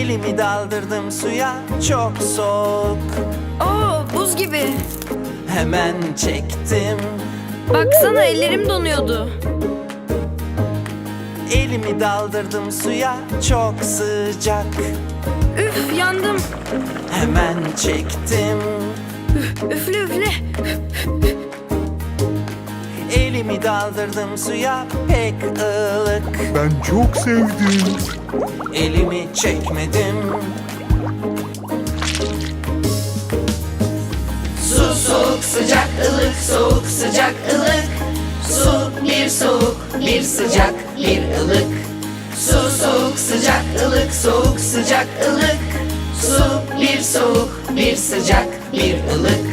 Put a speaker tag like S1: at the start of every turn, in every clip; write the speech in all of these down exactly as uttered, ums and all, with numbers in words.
S1: Elimi daldırdım suya, çok soğuk.
S2: Oo, buz gibi.
S1: Hemen çektim.
S2: Baksana, ellerim donuyordu.
S1: Elimi daldırdım suya, çok sıcak.
S2: Üf, yandım.
S1: Hemen çektim.
S2: Üfle üfle.
S1: Elimi daldırdım suya, pek ılık.
S3: Ben çok sevdim.
S1: Elimi çekmedim.
S4: Su soğuk sıcak ılık, soğuk sıcak ılık. Su bir soğuk, bir sıcak, bir ılık. Su soğuk sıcak ılık, soğuk sıcak ılık. Su bir soğuk, bir sıcak, bir ılık.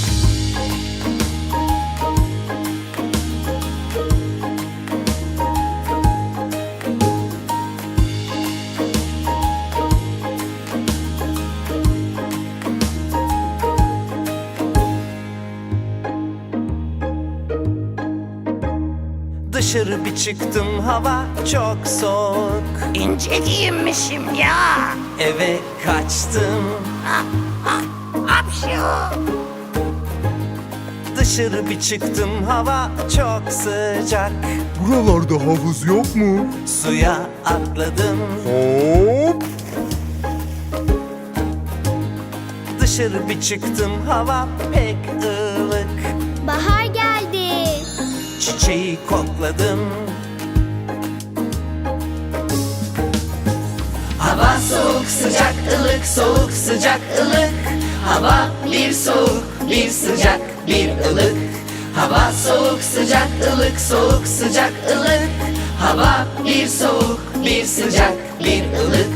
S1: Dışarı bir çıktım, hava çok soğuk.
S4: İnce giyinmişim ya.
S1: Eve kaçtım.
S4: Hapşu.
S1: Dışarı bir çıktım, hava çok sıcak.
S3: Buralarda havuz yok mu?
S1: Suya atladım.
S3: Hop.
S1: Dışarı bir çıktım, hava pek ılık.
S5: Bahar geldi.
S1: Çiçeği kokladım.
S4: Hava soğuk sıcak ılık, soğuk sıcak ılık. Hava bir soğuk, bir sıcak, bir ılık. Hava soğuk sıcak ılık, soğuk sıcak ılık. Hava bir soğuk, bir sıcak, bir ılık.